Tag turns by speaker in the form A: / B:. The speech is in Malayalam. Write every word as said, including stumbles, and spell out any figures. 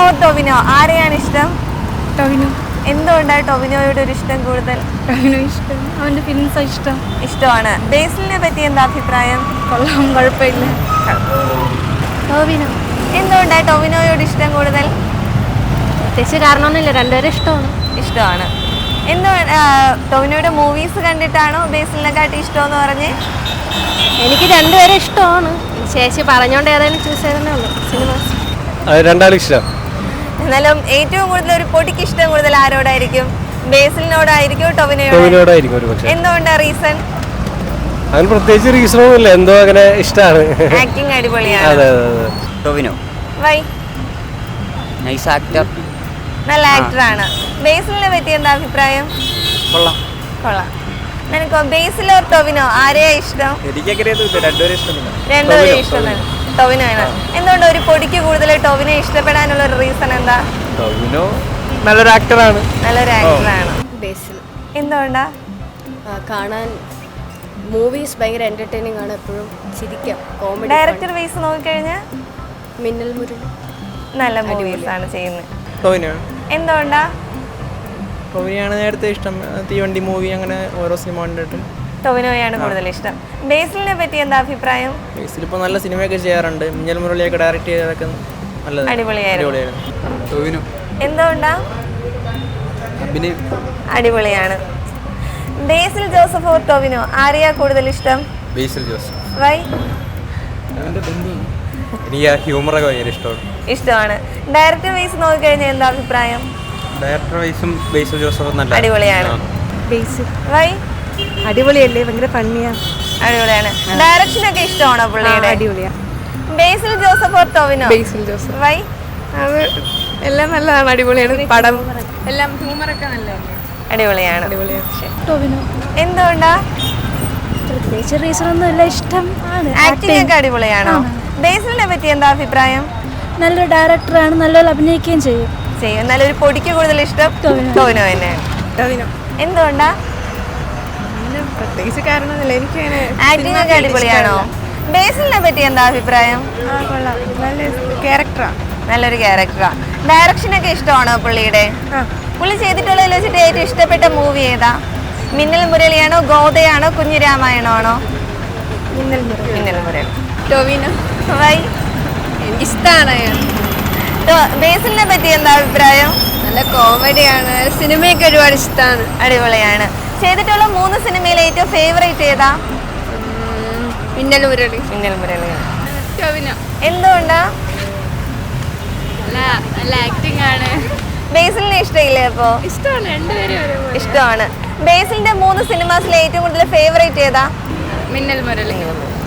A: ഓർ ടൊവിനോ, ആരെയാണ് ഇഷ്ടം?
B: ടൊവിനോ.
A: എന്തുകൊണ്ടാണ് ടൊവിനോയോട് ഒരു ഇഷ്ടം കൂടുതൽ?
B: ടൊവിനോ ഇഷ്ടം, അവൻ്റെ ഫിലിംസ് ഇഷ്ടം.
A: ഇഷ്ടമാണ്. ബേസിലിനെ പറ്റി എന്താ അഭിപ്രായം?
B: കൊള്ളാം, കുഴപ്പമില്ല. ടൊവിനോ.
A: എന്തുകൊണ്ടാണ് ടൊവിനോയോട് ഇഷ്ടം കൂടുതൽ?
B: പ്രത്യേകിച്ച് കാരണമൊന്നുമില്ല, രണ്ടുപേരും ഇഷ്ടമാണ്.
A: ഇഷ്ടമാണ്. എന്തുകൊണ്ട് ടൊവിനോയുടെ മൂവീസ് കണ്ടിട്ടാണോ ബേസിലിനെക്കാട്ടി ഇഷ്ടമെന്ന് പറഞ്ഞ്?
B: എനിക്ക് രണ്ടുപേരും ഇഷ്ടമാണ്. ചേച്ചി പറഞ്ഞോണ്ട് ഏതായാലും ചൂസ് ചെയ്തേ ഉള്ളൂ. സിനിമാസ്
C: രണ്ടാളും ഇഷ്ടം.
A: എന്നാലും ഏറ്റവും കൂടുതൽ ഒരു പൊടിക്ക് ഇഷ്ടം കൂടുതൽ ആരോടായിരിക്കും? ബേസിലിനോടായിരിക്കും
C: ടൊവിനോടായിരിക്കും ഒരു പക്ഷേ.
A: എന്തുകൊണ്ടാ റീസൺ?
C: അങ്ങനെ പ്രത്യേകിച്ച് റീസണൊന്നും ഇല്ല, എന്തോ അങ്ങനെ ഇഷ്ടമാണ്.
A: ആക്ടിങ് അടിപൊളിയാണ്.
C: അതെ അതെ അതെ.
D: ടൊവിനോ
A: വൈ?
D: നൈസ് ആക്ടർ,
A: നല്ല ആക്ടറാണ്. ബേസിലിനെ പറ്റി എന്താ അഭിപ്രായം?
D: കൊള്ളാം.
A: കൊള്ളാം. നിനക്കോ ബേസിലോ ടൊവിനോ ആരെയാ ഇഷ്ടം?
C: രണ്ടുപേരും ഇഷ്ടമില്ല.
A: രണ്ടുപേരും ഇഷ്ടം ടൊവിനോ ആണ്. എന്തുകൊണ്ട് ഒരു പൊടിക്ക് കൂടുതൽ ടൊവിനോ ഇഷ്ടപ്പെടാനുള്ള ഒരു റീസൺ എന്താ?
C: ടൊവിനോ നല്ലൊരു ആക്ടറാണ്.
A: നല്ലൊരു ആക്ടറാണ്.
B: ബേസിൽ
A: എന്തുകൊണ്ടാ?
B: കാണാൻ മൂവീസ് ഭയങ്കര എൻ്റർടൈനിങ് ആണ്, എപ്പോഴും ചിരിക്കാം. കോമഡി.
A: ഡയറക്ടർ വൈസ് നോക്കിക്കഴിഞ്ഞാൽ
B: മിന്നൽ മുരളി
A: നല്ല മൂവീസ് ആണ് ചെയ്യുന്നത്.
C: ടൊവിനോ.
A: എന്തുകൊണ്ടാ?
C: ടൊവിനോയാണ് നേരത്തെ ഇഷ്ടം. തീവണ്ടി മൂവി അങ്ങനെ ഓരോ സിനിമ കണ്ടിട്ടും
A: ടൊവിനോയാണ് കൂടുതൽ ഇഷ്ടം. ബേസിലിനെ പറ്റി എന്താ അഭിപ്രായം?
C: ബേസിലിപ്പോൾ നല്ല സിനിമയൊക്കെ ചെയ്യാറുണ്ട്. മിന്നൽ മുരളിയൊക്കെ ഡയറക്റ്റ് ചെയ്തതൊക്കെ നല്ലത്,
A: അടിപൊളിയായിരുന്നു.
C: ടൊവിനോ.
A: എന്തുകൊണ്ടാ?
C: അഭിനയം
A: അടിപൊളിയാണ്. ബേസിൽ ജോസഫ് ഓർ ടൊവിനോ ആരെയാ കൂടുതൽ ഇഷ്ടം?
C: ബേസിൽ ജോസഫ്.
A: വൈ?
C: എനിക്ക് ആ ഹ്യൂമറൊക്കെ ഭയങ്കര ഇഷ്ടമാണ്.
A: ഇഷ്ടമാണ്. ഡയറക്ടർ വൈസ് നോക്കിക്കഴിഞ്ഞാൽ എന്താ അഭിപ്രായം?
C: ഡയറക്ടർ വൈസും ബേസിൽ ജോസഫ് നല്ല
A: അടിപൊളിയാണ്.
B: ബേസിൽ
A: വൈ?
B: അടിപൊളിയല്ലേ, ഭയങ്കര ഫണ്ണിയാണ്.
A: അടിപൊളിയാണ്. ഡയറക്ഷൻ ഒക്കെ ഇഷ്ടമാണോ പുള്ളിയുടെ?
B: അടിപൊളിയാണ്.
A: ബേസിൽ ജോസഫ് ഓർ ടൊവിനോ?
B: ബേസിൽ ജോസഫ്.
A: വൈ?
B: അത് എല്ലാം നല്ലതാണ്, അടിപൊളിയാണ്. പടം എല്ലാം ഹ്യൂമറൊക്കെ നല്ലതാണ്,
A: അടിപൊളിയാണ്.
B: ടൊവിനോ.
A: എന്തുകൊണ്ടാ?
B: പ്രത്യേകിച്ച് റീസൺ ഒന്നുമില്ല, ഇഷ്ടം ആണ്.
A: ആക്ടിംഗ് ഒക്കെ അടിപൊളിയാണോ? ബേസിലിനെ പറ്റി എന്താ അഭിപ്രായം?
B: നല്ലൊരു ഡയറക്ടറാണ്, നല്ലപോലെ അഭിനയിക്കുകയും ചെയ്യും.
A: ചെയ്യും. എന്നാലും ഒരു പൊടിക്ക് കൂടുതൽ ഇഷ്ടം ടൊവിനോ തന്നെയാണ്.
B: ടൊവിനോ.
A: എന്തുകൊണ്ടാ?
B: പ്രത്യേകിച്ച് കാരണമൊന്നുമില്ല, എനിക്ക്
A: ആക്ടിംഗ് ഒക്കെ അടിപൊളിയാണോ? ബേസിലിനെ പറ്റി എന്താ അഭിപ്രായം?
B: കൊള്ളാം, നല്ല ക്യാരക്ടറാണ്.
A: നല്ലൊരു ക്യാരക്ടറാ. ഡയറക്ഷൻ ഒക്കെ ഇഷ്ടമാണോ പുള്ളിയുടെ? പുള്ളി ചെയ്തിട്ടുള്ളതിൽ വെച്ചിട്ട് ഏറ്റവും ഇഷ്ടപ്പെട്ട മൂവി ഏതാ? മിന്നൽ മുരളിയാണോ, ഗോദയാണോ, കുഞ്ഞിരാമായണോ ആണോ?
B: മിന്നൽ മുരളി.
A: മിന്നൽ മുരളി.
B: ടൊവിനോ.
A: വൈ?
B: എനിക്കിഷ്ടമാണ്.
A: ബേസിലിനെ പറ്റി എന്താ അഭിപ്രായം?
B: നല്ല കോമഡിയാണ്, സിനിമയൊക്കെ ഒരുപാട് ഇഷ്ടമാണ്.
A: അടിപൊളിയാണ്. ചെയ്തിട്ടുള്ള മൂന്ന് സിനിമയിൽ ഏറ്റവും ഫേവറേറ്റ് ഏതാ?
B: മിന്നൽ മുരളി.
A: മിന്നൽ മുരളി.
B: ടൊവിനോ.
A: എന്തുകൊണ്ടാ?
B: നല്ല ആക്ടിംഗ് ആണ്.
A: ബേസിലിനെ ഇഷ്ടമില്ലേ? അപ്പോ
B: ഇഷ്ടമാണ്, രണ്ടുപേരും
A: ഇഷ്ടമാണ്. ബേസിലിന്റെ മൂന്ന് സിനിമാസിലെ ഏറ്റവും കൂടുതൽ ഫേവറേറ്റ് ഏതാ?
B: മിന്നൽ മുരളി.